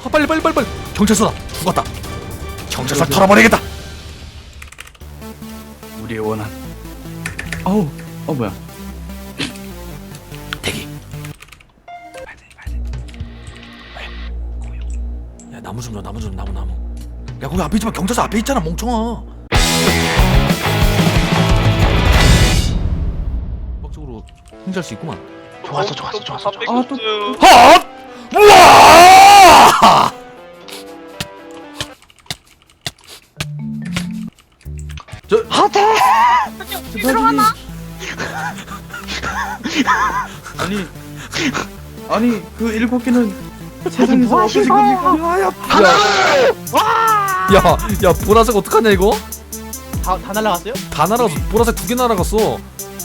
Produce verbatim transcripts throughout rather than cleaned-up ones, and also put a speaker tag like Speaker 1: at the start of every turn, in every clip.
Speaker 1: 아, 빨리 빨리 빨리 빨리. 경찰서다. 죽었다. 경찰서 털어버리겠다.
Speaker 2: 우리의 원한. 어우, 어 뭐야?
Speaker 1: 대기. 야 나무 좀 줘, 나무 좀, 나무 나무. 야 거기 앞에 있지만 경찰서 앞에 있잖아 멍청아. 박적으로 혼자 할 수 있구만.
Speaker 3: 좋았어 좋았어 좋았어. 좋았어.
Speaker 2: 아, 또-
Speaker 1: 헛! 우와! 저
Speaker 3: 하태.
Speaker 4: 들어가나?
Speaker 2: 아니, 아니 그 일곱 개는 세상에서
Speaker 3: 뭐
Speaker 2: 없어진
Speaker 3: 하신 거예요?
Speaker 2: 겁니까?
Speaker 1: 야, 야, 야, 보라색 어떡하냐 이거?
Speaker 3: 다, 다 날라갔어요?
Speaker 1: 다 날아갔어. 보라색 두 개 날아갔어.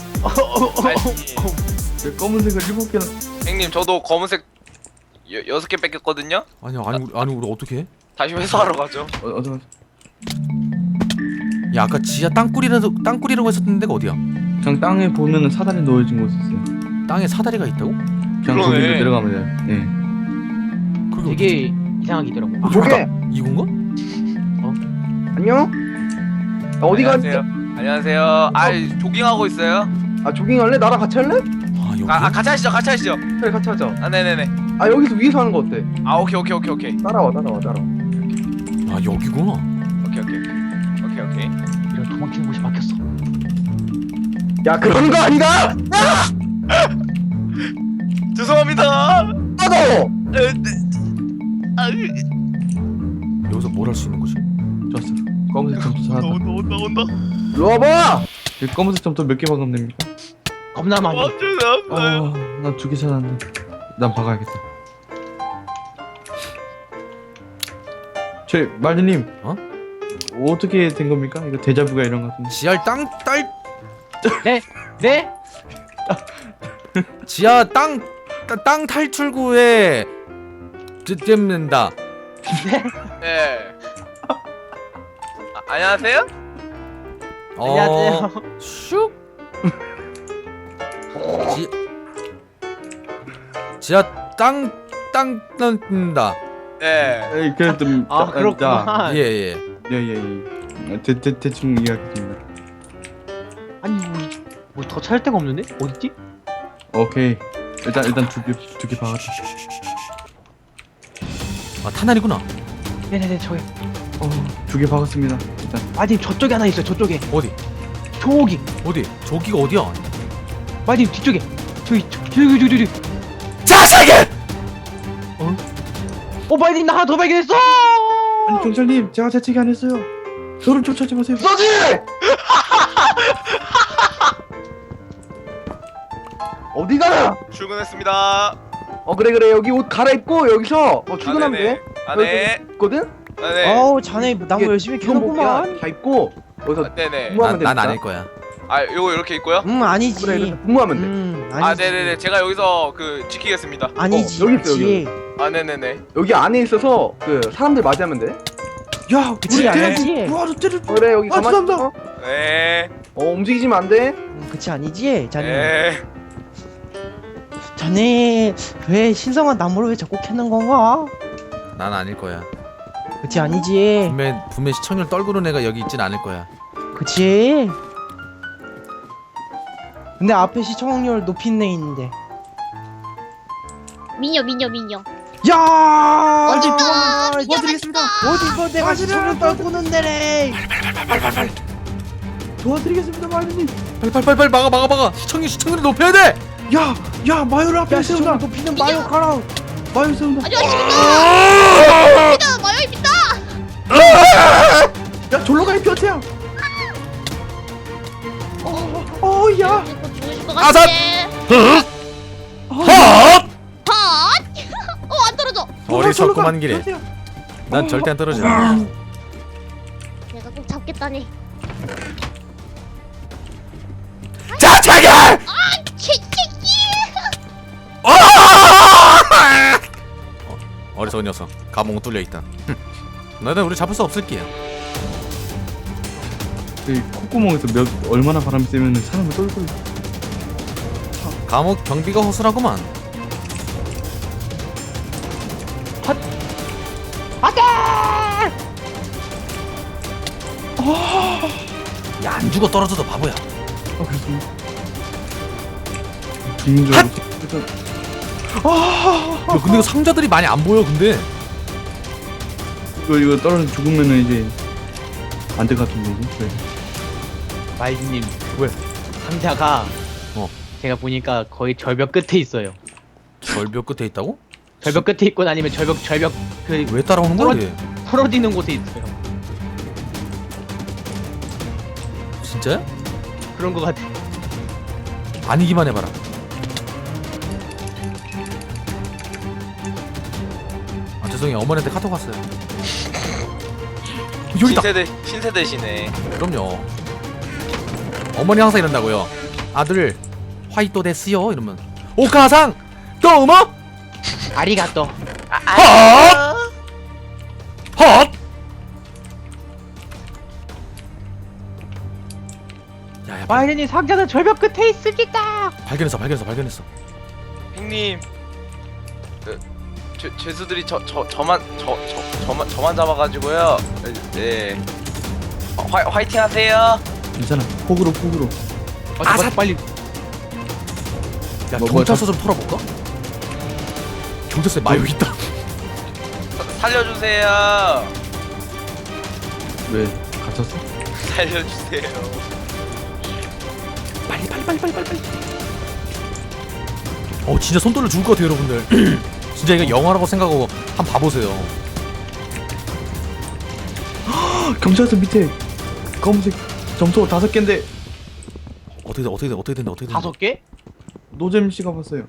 Speaker 2: 내 검은색을 일곱 개나.
Speaker 5: 형님 저도 검은색 여, 여섯 개 뺏겼거든요?
Speaker 1: 아니야, 아니 우리 아니 우리 어떻게 해?
Speaker 5: 다시 회수하러 가죠.
Speaker 2: 어, 어서.
Speaker 1: 야, 아까 지하 땅굴이라도 땅굴이라고 했었던 데가 어디야?
Speaker 2: 그냥 땅에 보면은 사다리 놓여진 곳이 있어요.
Speaker 1: 땅에 사다리가 있다고?
Speaker 2: 그냥
Speaker 5: 그러네.
Speaker 2: 거기로 내려가면 돼요. 네.
Speaker 1: 그게
Speaker 3: 되게 이상하게 있더라고.
Speaker 1: 어디?
Speaker 6: 저게
Speaker 1: 이건가?
Speaker 6: 안녕? 아, 어디 가?
Speaker 5: 안녕하세요. 안녕하세요. 아 조깅하고 있어요.
Speaker 6: 아 조깅할래? 나랑 같이 할래?
Speaker 1: 아, 여기.
Speaker 5: 아, 아 같이 하시죠. 같이 하시죠.
Speaker 6: 그래 같이 하자.
Speaker 5: 아 네네네.
Speaker 6: 아 여기서 위에서 하는 거 어때?
Speaker 5: 아 오케이 오케이 오케이 오케이
Speaker 6: 따라와 따라와 따라와.
Speaker 1: 아, 여기구나.
Speaker 5: 오케이 오케이 오케이 오케이.
Speaker 3: 이런 도망치는 곳이 막혔어.
Speaker 6: 야 그런 거 아니다!
Speaker 5: 죄송합니다.
Speaker 6: 나도!
Speaker 5: 에, 네. 아,
Speaker 1: 여기서 뭘 할 수 있는 거지?
Speaker 2: 좋았어. 검은색 점토 찾았다.
Speaker 5: 온다 온다 온다.
Speaker 6: 일로 와봐!
Speaker 2: 이 검은색 점토 몇 개 박으면 됩니까?
Speaker 3: 겁나 많이.
Speaker 5: 아 죄송합니다.
Speaker 2: 아, 난 두 개 찾았는데. 난 박아야겠다. 저 말리님.
Speaker 1: 어?
Speaker 2: 어떻게 된 겁니까? 이거 데자부가 이런 것 같은데.
Speaker 1: 지하 땅딸
Speaker 3: 네? 네?
Speaker 1: 지하 땅 땅 탈출구에 쯤는다.
Speaker 5: 네. 아, 안녕하세요.
Speaker 1: 어,
Speaker 3: 안녕하세요.
Speaker 1: 슉. 지 지하 땅땅 뜬다.
Speaker 5: 네.
Speaker 2: 에이, 그래 좀.
Speaker 3: 아
Speaker 2: 자,
Speaker 3: 그렇구나.
Speaker 1: 예, 예.
Speaker 2: 예, 예, 예. 대, 대, 대충 이해하겠습니다.
Speaker 3: 아니 뭐 더 찾을 데가 없는데? 어딨지?
Speaker 2: 오케이. 일단 일단 두 개 두 개 박았다.
Speaker 1: 아, 타날이구나.
Speaker 3: 네네네 저기.
Speaker 2: 어, 두 개 박았습니다. 일단.
Speaker 3: 마님 저쪽에 하나 있어요. 저쪽에.
Speaker 1: 어디?
Speaker 3: 저기.
Speaker 1: 어디? 저기가 어디야?
Speaker 3: 마님 뒤쪽에. 저기 저, 저기 저기 저기.
Speaker 1: 자식이!
Speaker 3: 어 마님 나 하나 더 발견했어.
Speaker 2: 아니 경찰님, 제가 자책이 안 했어요. 저를 쫓아지 마세요.
Speaker 6: 써지! 어디 가나?
Speaker 5: 출근했습니다.
Speaker 6: 어 그래 그래 여기 옷 갈아입고 여기서 어, 출근하면
Speaker 5: 아, 네네.
Speaker 6: 돼.
Speaker 5: 아 네.
Speaker 6: 있거든?
Speaker 5: 아 네.
Speaker 3: 어우 자네 나무
Speaker 6: 이게
Speaker 3: 열심히
Speaker 6: 기본복이야.
Speaker 3: 캐는구만.
Speaker 6: 다 입고 여기서
Speaker 5: 아, 네네.
Speaker 6: 근무하면
Speaker 1: 난
Speaker 6: 되니까.
Speaker 1: 아닐 거야.
Speaker 5: 아 요거 이렇게 있고요.
Speaker 3: 음 아니지.
Speaker 6: 그래 이렇게 근무하면 돼.
Speaker 3: 음 아니지.
Speaker 5: 아 네네네. 제가 여기서 그 지키겠습니다.
Speaker 3: 아니지.
Speaker 6: 어, 여기 있어,
Speaker 3: 그치.
Speaker 5: 아 네네네.
Speaker 6: 여기 안에 있어서 그 사람들 맞이하면 돼.
Speaker 2: 야,
Speaker 3: 그치,
Speaker 2: 우리
Speaker 3: 아니지.
Speaker 2: 대장님 도와줬대를.
Speaker 6: 어, 그래 여기
Speaker 2: 아,
Speaker 6: 가만히
Speaker 2: 죄송합니다.
Speaker 6: 있어.
Speaker 5: 네.
Speaker 6: 어 움직이지면 안 돼.
Speaker 3: 음, 그치 아니지. 자네.
Speaker 5: 네.
Speaker 3: 자네 왜 신성한 나무를 왜 자꾸 캐는 건가?
Speaker 1: 난 아닐 거야.
Speaker 3: 그치 아니지.
Speaker 1: 분명 분명 시청률 떨구는 애가 여기 있진 않을 거야.
Speaker 3: 그치. 근데 앞에 시청률 높인 애 있는데.
Speaker 4: 미녀 미녀 미녀.
Speaker 3: 야!
Speaker 4: 어딨다!
Speaker 3: 어디
Speaker 4: 도와드리겠습니다.
Speaker 3: 어디서 내가 시청률 떨구는 데래.
Speaker 2: 도와드리겠습니다, 말리님.
Speaker 1: 빨리 빨리 빨리 빨리 막아 막아 막아. 시청률 시청률을 높여야 돼.
Speaker 2: 야, 야, 마요를 앞에
Speaker 3: 야
Speaker 2: 세운다.
Speaker 3: 시청률 높이는 마요 가라.
Speaker 2: 마요 세운다.
Speaker 4: 안녕하십니까. 마요입니다.
Speaker 2: 야, 졸로 가이 뼈태야. 어, 어, 야.
Speaker 4: 죽으실 것
Speaker 1: 아삿!
Speaker 4: 같은데.
Speaker 1: 헛!
Speaker 4: 헛! 어안 떨어져.
Speaker 1: 어리석고만 길에. 난 절대 안 떨어져.
Speaker 4: 내가 꼭 잡겠다니.
Speaker 1: 자차기!
Speaker 4: 치치치.
Speaker 1: 어! 어리석은 녀석. 감옥 뚫려 있다. 너희들 우리 잡을 수 없을 게야.
Speaker 2: 이 콧구멍에서 몇 얼마나 바람이 세면 사람을 떨고 있어.
Speaker 1: 감옥 경비가 허술하구만. 야, 안 죽어 떨어져도 바보야.
Speaker 2: 아 그렇습니다. 죽는 줄 알고. 일단
Speaker 1: 야, 근데 이거 상자들이 많이 안 보여. 근데
Speaker 2: 이거 이거 떨어져 죽으면은 이제 안 될 것 같은 거고. 네.
Speaker 3: 마이즈님
Speaker 1: 왜?
Speaker 3: 상자가
Speaker 1: 어.
Speaker 3: 제가 보니까 거의 절벽 끝에 있어요.
Speaker 1: 절벽 끝에 있다고?
Speaker 3: 절벽 끝에 있건 아니면 절벽 절벽 그
Speaker 1: 왜 따라오는 거야?
Speaker 3: 떨어-
Speaker 1: 얘?
Speaker 3: 풀어지는 곳에 있어요.
Speaker 1: 진짜야?
Speaker 3: 그런 거 같아.
Speaker 1: 아니기만 해봐라. 아 죄송해요. 어머니한테 카톡 왔어요. 여기다.
Speaker 5: 신세대 신세대시네.
Speaker 1: 그럼요. 어머니 항상 이런다고요. 아들 화이토 데스요 이러면 오카상 또뭐
Speaker 3: 아리가또.
Speaker 1: 헛! 헛! 야야
Speaker 3: 마이즈님 상자는 절벽 끝에 있습니다.
Speaker 1: 발견했어 발견했어 발견했어.
Speaker 5: 형님. 그, 죄 죄수들이 저 저 저만 저 저 저만 저만 잡아가지고요. 네. 어, 화 화이팅 하세요.
Speaker 2: 괜찮아. 폭으로 폭으로.
Speaker 3: 어,
Speaker 1: 아사!
Speaker 3: 아, 빨리.
Speaker 1: 야
Speaker 2: 뭐,
Speaker 1: 경찰서 좀 털어볼까? 경찰서에 마요 있다.
Speaker 5: 사, 살려주세요.
Speaker 2: 왜 갇혔어?
Speaker 5: 살려주세요.
Speaker 1: 빨리 빨리 빨리 빨리 빨리 빨리. 어 진짜 손 떨려 죽을 것 같아요 여러분들. 진짜 이거 영화라고 생각하고 한번 봐보세요.
Speaker 2: 경찰서 밑에 검은색 점토 다섯 개인데
Speaker 1: 어떻게 돼 어떻게 돼 어떻게 된다 어떻게 된다.
Speaker 3: 다섯 개?
Speaker 2: 노잼 씨가 봤어요.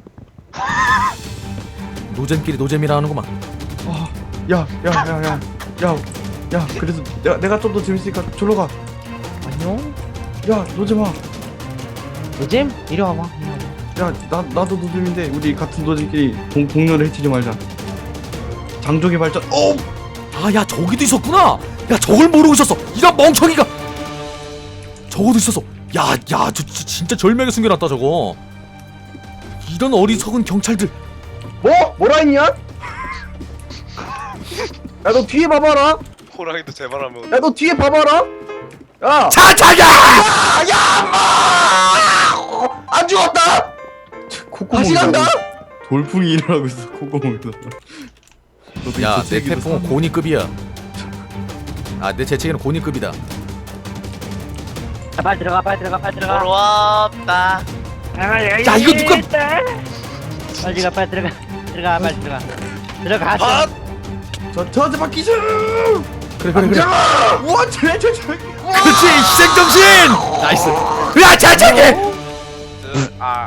Speaker 1: 노잼끼리 노잼이라는구만.
Speaker 2: 아, 야, 야, 야, 야, 야, 야. 그래서 내가 내가 좀 더 재밌으니까 졸로 가.
Speaker 3: 안녕.
Speaker 2: 야, 노잼아.
Speaker 3: 요즘 이리 와봐. 이리 와봐.
Speaker 2: 야, 나 나도 노잼인데 우리 같은 노잼끼리 동 동료를 해치지 말자. 장족의 발전. 어,
Speaker 1: 아 야 저기도 있었구나. 야 저걸 모르고 있었어. 이런 멍청이가. 저거도 있었어. 야야 저, 저 진짜 절명에 숨겨놨다 저거. 이런 어리석은 경찰들.
Speaker 6: 뭐? 뭐라 했냐? 야 너 뒤에 봐봐라.
Speaker 5: 호랑이도 제발하면.
Speaker 6: 야 너 뒤에 봐봐라. 야.
Speaker 1: 차차야.
Speaker 6: 안 죽었다. 다시 간다.
Speaker 2: 돌풍이 일어나고 있어 콧구멍에서. 너도
Speaker 1: 야
Speaker 2: 이
Speaker 1: 내
Speaker 2: 재채기도
Speaker 1: 태풍은
Speaker 2: 사-
Speaker 1: 고니급이야. 아 내 재채기는 고니급이다.
Speaker 3: 빨리 들어가, 빨리 들어가, 빨리 들어가.
Speaker 5: 부럽다.
Speaker 1: 야 이거 누가?
Speaker 3: 빨리 들어가, 빨리 들어가. 들어가, 빨리 들어가. 들어가.
Speaker 5: 아!
Speaker 2: 저 저한테 맡기죠.
Speaker 1: 그래 그래 그래.
Speaker 2: 우와, 쟤, 쟤, 쟤.
Speaker 1: 그렇지 희생정신. 나이스. 야 차차기.
Speaker 5: 아.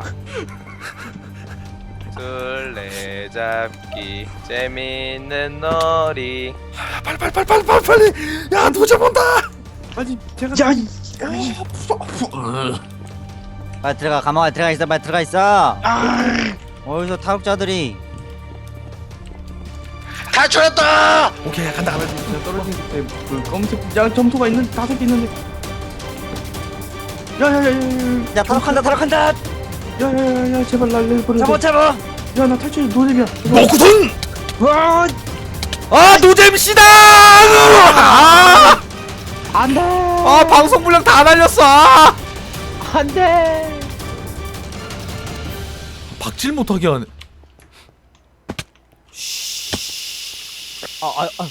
Speaker 5: 술래잡기 재밌는 놀이.
Speaker 1: 빨리 빨리 빨리 빨리 빨리 빨리. 야 노잼 온다.
Speaker 2: 아니, 제가
Speaker 6: 야, 이-
Speaker 7: 빨리 들어가 감옥에 들어가 있어 빨리 들어가 있어
Speaker 6: 아,
Speaker 7: 어디서 탈옥자들이
Speaker 5: 탈출했다.
Speaker 1: 오케이 간다 간다.
Speaker 2: 제가 떨어진 그때 그 검은색 야 점토가 있는 다섯 개 있는데. 야야야야야.
Speaker 7: 야 탈옥한다 탈옥한다
Speaker 2: 야야야야 제발 날 내버려.
Speaker 7: 잡아 잡아
Speaker 2: 야나 탈출 노잼이야.
Speaker 1: 먹구손.
Speaker 7: 와
Speaker 1: 아 노잼씨다. 아,
Speaker 3: 안 돼.
Speaker 1: 아 방송 분량 다 날렸어. 아.
Speaker 3: 안 돼.
Speaker 1: 박질 못하게 하네.
Speaker 3: 아, 아, 아.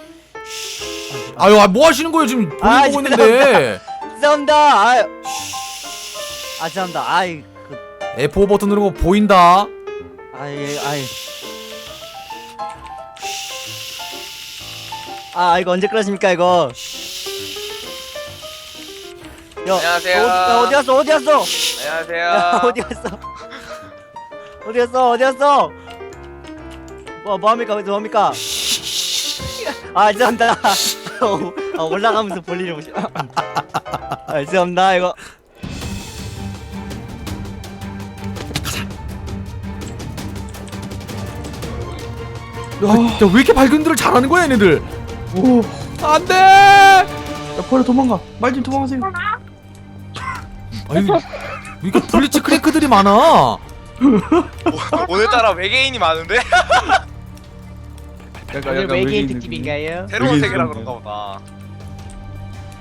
Speaker 1: 아유 아, 뭐 하시는 거예요 지금 보고
Speaker 7: 아,
Speaker 1: 보고 있는데.
Speaker 7: 죄송합니다 아유 아 죄송합니다 아이 그
Speaker 1: 에프 오 버튼 누르고 보인다.
Speaker 7: 아이 아이 아 이거 언제 끝나십니까 이거 야,
Speaker 5: 안녕하세요.
Speaker 7: 어, 야, 어디 갔어 어디 갔어
Speaker 5: 안녕하세요.
Speaker 7: 야 어디 갔어 어디 갔어 어디 갔어 뭐 뭐합니까 어디서 뭐합니까 아 죄송합니다 어, 아, 올라가면서 볼 일이 보시 아 죄송합니다 이거
Speaker 1: 야왜 이렇게 발견들을 잘하는 거야 얘네들.
Speaker 2: 오,
Speaker 1: 안돼.
Speaker 2: 야 버려 도망가. 말 좀 도망가세요.
Speaker 1: 아니 이거 블리츠 크래크들이 많아.
Speaker 5: 오늘따라 외계인이 많은데?
Speaker 2: 약간
Speaker 3: 오늘
Speaker 2: 약간
Speaker 3: 외계인
Speaker 2: 느낌이.
Speaker 3: 특집인가요?
Speaker 5: 새로운
Speaker 2: 외계인
Speaker 5: 세계라
Speaker 2: 사람들.
Speaker 5: 그런가 보다.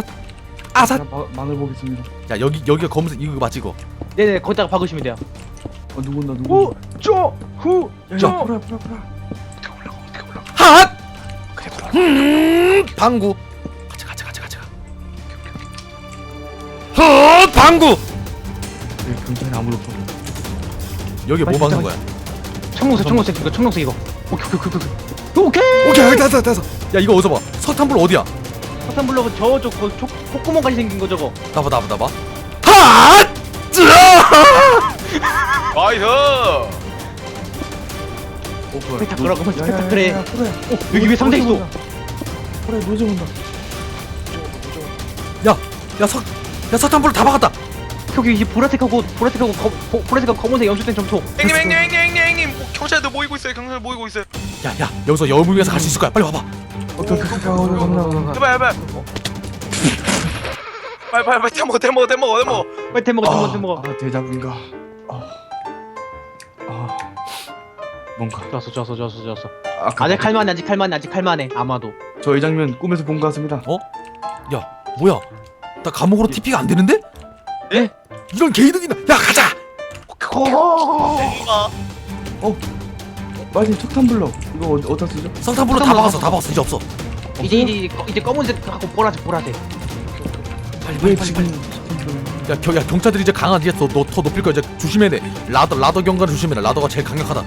Speaker 1: 아삿 아삿.
Speaker 2: 자, 마, 막을 보겠습니다.
Speaker 1: 야 여기 여기가 검은색 이거 맞지 이거?
Speaker 7: 네네 거기다가 박으시면 돼요.
Speaker 2: 어 누군다 누군다.
Speaker 6: 쪼후
Speaker 2: 야,
Speaker 6: 쪼.
Speaker 2: 야, 풀어 풀어 풀어.
Speaker 1: 핫. 음 방구. 가자 가자 가자 가자. 헛 방구.
Speaker 2: 네, 경찰이 아무도 없어.
Speaker 1: 여기 뭐
Speaker 7: 빨리
Speaker 1: 막는
Speaker 7: 가자,
Speaker 1: 거야?
Speaker 7: 청록색 청록색 이거 청록색 이거. 오케이 오케이 오케이 오케이. 오케이.
Speaker 1: 오케이 됐어 됐어. 야 이거 어디서 봐? 서탄불 어디야?
Speaker 7: 석탄 블럭은 저쪽 그 촉- 콧구멍까지 생긴 거 저거.
Speaker 1: 나봐 나봐 나봐. 핫.
Speaker 5: 나이스.
Speaker 2: 어 뭐야?
Speaker 7: 스펙타클하고
Speaker 2: 노- 야, 야, 야,
Speaker 7: 스펙타클해.
Speaker 2: 야, 풀어야.
Speaker 7: 어 여기 왜 상자 있어?
Speaker 2: 그래 노제 온다.
Speaker 1: 야야 석. 야 서탄불 다 박았다.
Speaker 7: 여기 이 보라색하고 보라색하고 검 보- 보라색하고 검은색 연출된 점토.
Speaker 5: 형님 형님 형님 형님 형님 뭐, 경찰들 모이고 있어요. 경찰 모이고 있어요.
Speaker 1: 야야 여기서 여우물 위해서 갈 수 있을 거야. 빨리 와봐.
Speaker 2: 오케이 오케이 오케이 간다 간다.
Speaker 5: 해봐 해봐. 어. 빨리 빨리 빨리 대먹어 대먹어 대먹어 대먹어.
Speaker 7: 빨리 대 먹어 대 먹어 대 먹어.
Speaker 2: 아 대장인가. 아, 아 뭔가.
Speaker 7: 좋았어 좋았어 좋았어 좋았어.
Speaker 2: 아까
Speaker 7: 아직 칼만해 아직 칼만해 아직 칼만해 아마도.
Speaker 2: 저 이 장면 꿈에서 본 것 같습니다.
Speaker 1: 야 뭐야? 나 감옥으로 티피가 안 되는데?
Speaker 5: 예?
Speaker 1: 이런 개이득이나. 야 가자.
Speaker 2: 마님 석탄 블럭 이거 어, 어디다 쓰죠?
Speaker 1: 성탄불로 다 박았어 다 박았어 이제 없어.
Speaker 7: 이제 이제 꺼- 이제 검은색하고 보라색 보라색.
Speaker 1: 빨리
Speaker 2: 왜
Speaker 1: 빨리 빨리.
Speaker 2: 지금
Speaker 1: 빨리.
Speaker 2: 석탄 블럭?
Speaker 1: 야, 겨, 야 경찰들이 이제 강한 이제 너더 더 높일 거야. 이제 조심해야 돼. 라더 라더 경관을 조심해라. 라더가 제일 강력하다.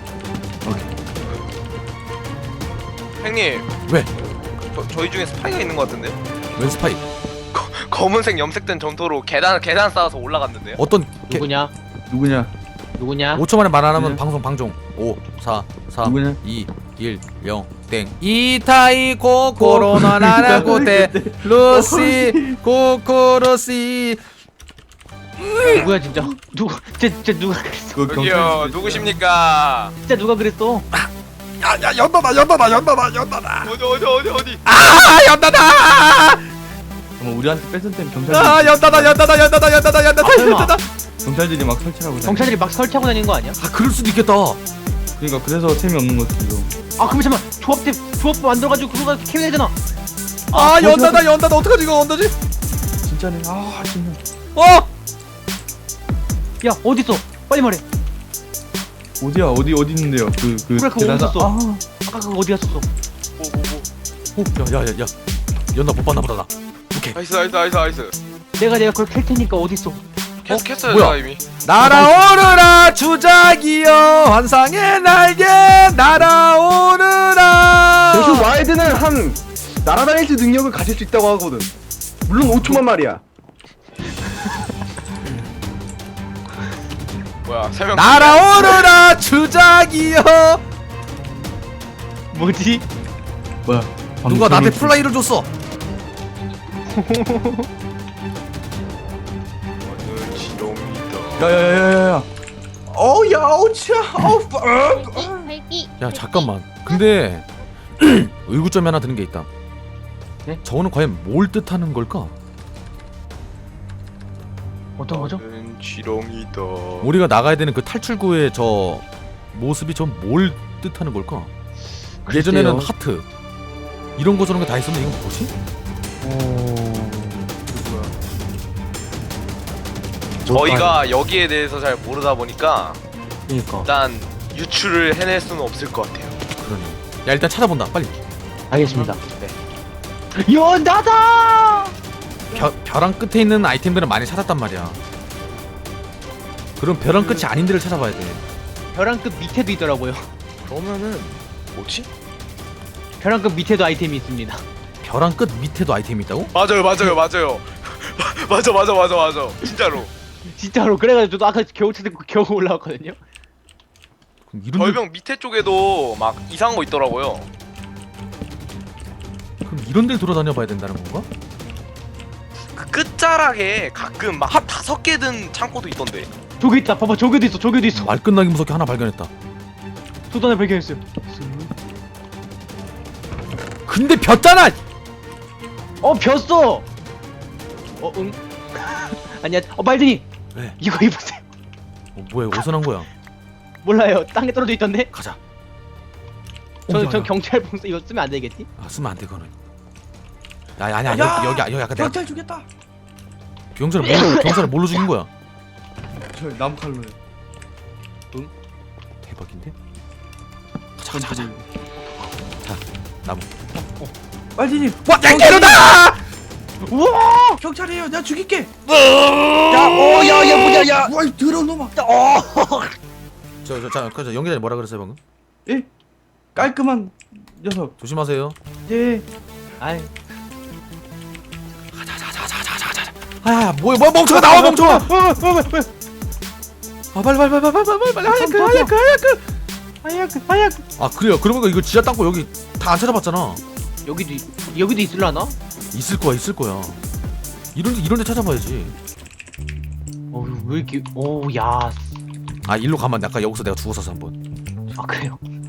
Speaker 5: 형님.
Speaker 1: 왜?
Speaker 5: 저, 저희 중에 스파이가 있는 것 같은데?
Speaker 1: 웬 스파이?
Speaker 5: 검은색 염색된 점토로 계단 계단 쌓아서 올라갔는데요?
Speaker 1: 어떤 개,
Speaker 7: 누구냐
Speaker 2: 누구냐?
Speaker 7: 누구냐?
Speaker 1: 오 초 만에 말 안 하면
Speaker 2: 네.
Speaker 1: 방송 방종. 오, 사, 삼,
Speaker 2: 누구냐?
Speaker 1: 이, 일, 영, 땡. 이타이 코코로나 나나고테 루시 코코로시.
Speaker 7: 누구야 진짜? 누구? 진짜, 진짜 누가 그랬어?
Speaker 2: 그
Speaker 5: 여기요 누구십니까?
Speaker 7: 진짜 누가 그랬어?
Speaker 1: 야야 연다다 연다다 연다다 연다다.
Speaker 5: 어디 어디 어디 어디?
Speaker 1: 아 연다다.
Speaker 2: 뭐 우리한테 뺏은 땐 경찰
Speaker 1: 아 연다다 연다다 연다다 연다다 연다다
Speaker 7: 아, 설마.
Speaker 1: 연다다.
Speaker 2: 경찰들이 막 설치하고 다니.
Speaker 7: 경찰들이 막 설치하고 다니는 거 아니야?
Speaker 1: 아 그럴 수도 있겠다.
Speaker 2: 그러니까 그래서 셈이 없는 거지 지금.
Speaker 7: 아 그럼 잠깐 조합대 조합 만들어가지고 그거가 캐면 되잖아.
Speaker 1: 아 연다다 연다다 어떡하지 이거 언더지?
Speaker 2: 진짜네. 아 진짜.
Speaker 1: 어?
Speaker 7: 야 어디 있어? 빨리 말해.
Speaker 2: 어디야 어디 어디 있는데요? 그그
Speaker 7: 그래, 그거
Speaker 2: 계단-
Speaker 7: 어딨었어?
Speaker 2: 아,
Speaker 7: 아까 그거 어디 갔었어?
Speaker 5: 뭐뭐 뭐.
Speaker 1: 야야야 야. 연다 못 봤나 보다 나. 오케이.
Speaker 5: 나이스 나이스 나이스 나이스.
Speaker 7: 내가 내가 그걸 캘 테니까 어디 있어?
Speaker 5: 계속 했어요
Speaker 1: 뭐야?
Speaker 5: 제가 이미.
Speaker 1: 날아오르라 주작이여 환상의 날개 날아오르라.
Speaker 6: 대신 와일드는 한 날아다닐 수 능력을 가질 수 있다고 하거든. 물론 오 초만 말이야.
Speaker 5: 뭐야 세 명.
Speaker 1: 날아오르라 주작이여.
Speaker 7: 뭐지?
Speaker 2: 뭐야?
Speaker 1: 누가 나한테 플라이를 줬어.
Speaker 5: 저는 지롱이다.
Speaker 2: 야야야야야. 어야 어치야. 어.
Speaker 4: 발기.
Speaker 1: 야 잠깐만. 근데 의구점이 하나 드는 게 있다.
Speaker 7: 네?
Speaker 1: 저거는 과연 뭘 뜻하는 걸까?
Speaker 7: 어떤 거죠?
Speaker 5: 저는 지롱이다.
Speaker 1: 우리가 나가야 되는 그 탈출구의 저 모습이 전 뭘 뜻하는 걸까? 예전에는 하트 이런 거 저런 거 다 있었는데 이건 뭐지?
Speaker 5: 저희가 여기에 대해서 잘 모르다 보니까
Speaker 7: 그러니까.
Speaker 5: 일단 유출을 해낼 수는 없을 것 같아요.
Speaker 1: 그러네. 야 일단 찾아본다 빨리.
Speaker 7: 알겠습니다. 연다다.
Speaker 1: 벼, 벼랑 끝에 있는 아이템들은 많이 찾았단 말이야. 그럼 벼랑 끝이 아닌 데를 찾아봐야 돼.
Speaker 7: 벼랑 끝 밑에도 있더라고요.
Speaker 5: 그러면은 뭐지?
Speaker 7: 벼랑 끝 밑에도 아이템이 있습니다.
Speaker 1: 벼랑 끝 밑에도 아이템이 있다고?
Speaker 5: 맞아요 맞아요 맞아요. 맞아 맞아 맞아 맞아. 진짜로.
Speaker 7: 진짜로 그래가지고 저도 아까 겨우 찾고 겨우 올라왔거든요.
Speaker 1: 그럼 이런 데,
Speaker 5: 절벽 밑에 쪽에도 막 이상한 거 있더라고요.
Speaker 1: 그럼 이런 데를 돌아다녀봐야 된다는 건가?
Speaker 5: 그 끝자락에 가끔 막 한 다섯 개 든 창고도 있던데.
Speaker 7: 저기 있다. 봐봐 저기도 있어. 저기도 있어.
Speaker 1: 말 끝나기 무섭게 하나 발견했다.
Speaker 7: 저도 하나 발견했어요.
Speaker 1: 근데 벼잖아!
Speaker 7: 어 벼어. 어 응. 아니야. 어 말든이.
Speaker 1: 왜?
Speaker 7: 이거 입으세요.
Speaker 1: 어, 뭐야 옷은 한 거야?
Speaker 7: 몰라요. 땅에 떨어져 있던데.
Speaker 1: 가자.
Speaker 7: 저
Speaker 1: 어, 야,
Speaker 7: 저
Speaker 1: 야.
Speaker 7: 경찰 봉사 이거 쓰면 안 되겠지?
Speaker 1: 아 쓰면 안 돼 그거는. 야 야, 아니야 여기 여기 여기 아까 내가
Speaker 2: 경찰 죽였다.
Speaker 1: 경찰을 뭘로 경찰을 뭘로 죽인 거야?
Speaker 2: 저 나무 칼로요.
Speaker 1: 대박인데? 가자 가자 가자. 자 나무.
Speaker 2: 빨리님.
Speaker 1: 와 땡겨다!
Speaker 7: 우와!
Speaker 2: 경찰이에요. 내가 죽일게.
Speaker 6: 야, 어, 야, 야, 뭐야, 야.
Speaker 2: 와, 더러운 놈아.
Speaker 1: 저저자 저 연기자님 뭐라 그랬어요 방금?
Speaker 2: 예? 깔끔한 녀석.
Speaker 1: 조심하세요.
Speaker 2: 예.
Speaker 7: 아이
Speaker 1: 자자자자자자자. 아 뭐야 뭐야 멍청아 나와 멍청아. 아 빨리 빨리 빨리 빨리 빨리 빨리 하얗게 하얗게 하얗게.
Speaker 7: 하얗게 하얗게.
Speaker 1: 아 그래요. 그러면 이거 지하 땅고 여기 다 안 찾아봤잖아.
Speaker 7: 여기도 있- 여기도 있을라나?
Speaker 1: 있을 거야 있을 거야. 이런 데 이런 데 찾아봐야지.
Speaker 7: 어휴
Speaker 3: 왜 이렇게 오야
Speaker 1: 아 일로 가면 아까 여기서 내가 죽었었어 한번.
Speaker 3: 아 그래요